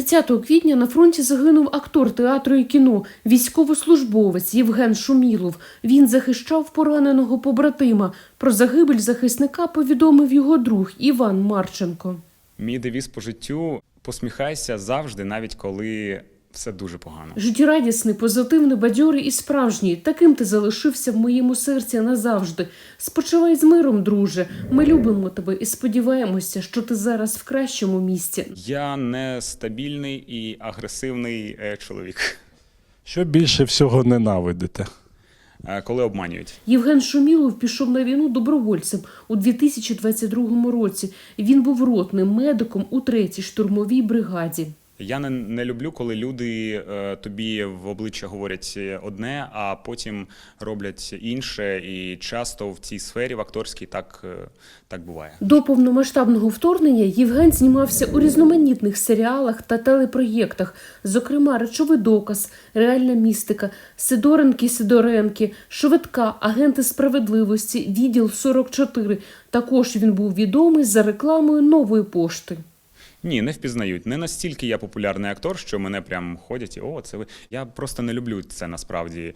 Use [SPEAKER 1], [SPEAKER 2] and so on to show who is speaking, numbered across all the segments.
[SPEAKER 1] 30 квітня на фронті загинув актор театру і кіно, військовослужбовець Євген Шумілов. Він захищав пораненого побратима. Про загибель захисника повідомив його друг Іван Марченко.
[SPEAKER 2] Мій девіз по життю – посміхайся завжди, навіть коли все дуже погано.
[SPEAKER 1] Життєрадісний, позитивний, бадьорий і справжній. Таким ти залишився в моєму серці назавжди. Спочивай з миром, друже. Ми любимо тебе і сподіваємося, що ти зараз в кращому місці.
[SPEAKER 2] Я нестабільний і агресивний чоловік.
[SPEAKER 3] Що більше всього ненавидите?
[SPEAKER 2] Коли обманюють.
[SPEAKER 1] Євген Шумілов пішов на війну добровольцем у 2022 році. Він був ротним медиком у 3-й штурмовій бригаді.
[SPEAKER 2] Я не люблю, коли люди тобі в обличчя говорять одне, а потім роблять інше. І часто в цій сфері, в акторській, так буває. До
[SPEAKER 1] повномасштабного вторгнення Євген знімався у різноманітних серіалах та телепроєктах. Зокрема, «Речовий доказ», «Реальна містика», «Сидоренки», «Швидка», «Агенти справедливості», «Відділ 44». Також він був відомий за рекламою «Нової пошти».
[SPEAKER 2] Ні, не впізнають. Не настільки я популярний актор, що мене прям ходять і «О, це ви». Я просто не люблю це насправді,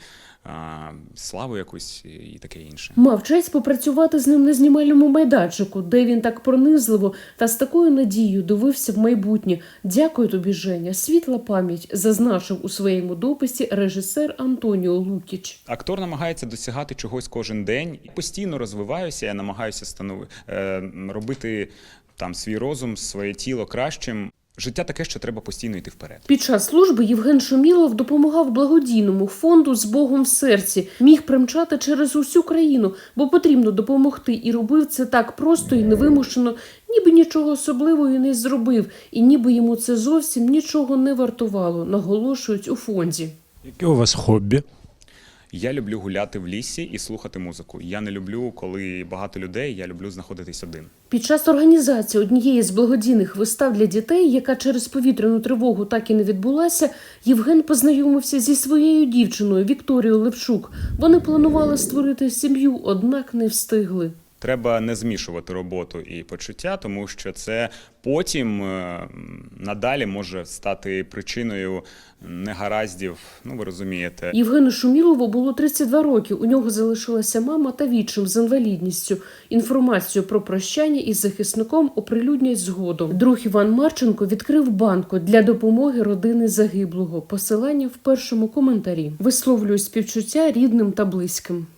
[SPEAKER 2] славу якусь і таке інше.
[SPEAKER 1] Мав честь попрацювати з ним на знімальному майданчику, де він так пронизливо та з такою надією дивився в майбутнє. Дякую тобі, Женя. Світла пам'ять, зазначив у своєму дописі режисер Антоніо Лукіч.
[SPEAKER 2] Актор намагається досягати чогось кожен день. Постійно розвиваюся, я намагаюся робити там свій розум, своє тіло кращим. Життя таке, що треба постійно йти вперед.
[SPEAKER 1] Під час служби Євген Шумілов допомагав благодійному фонду «З Богом в серці». Міг примчати через усю країну, бо потрібно допомогти. І робив це так просто і невимушено, ніби нічого особливого і не зробив. І ніби йому це зовсім нічого не вартувало, наголошують у фонді.
[SPEAKER 3] Яке у вас хобі?
[SPEAKER 2] Я люблю гуляти в лісі і слухати музику. Я не люблю, коли багато людей, я люблю знаходитись один.
[SPEAKER 1] Під час організації однієї з благодійних вистав для дітей, яка через повітряну тривогу так і не відбулася, Євген познайомився зі своєю дівчиною Вікторією Левчук. Вони планували створити сім'ю, однак не встигли.
[SPEAKER 2] Треба не змішувати роботу і почуття, тому що це потім надалі може стати причиною негараздів, ви розумієте.
[SPEAKER 1] Євгену Шумілову було 32 роки, у нього залишилася мама та відчим з інвалідністю. Інформацію про прощання із захисником оприлюднять згодом. Друг Іван Марченко відкрив банку для допомоги родини загиблого. Посилання в першому коментарі. Висловлюю співчуття рідним та близьким.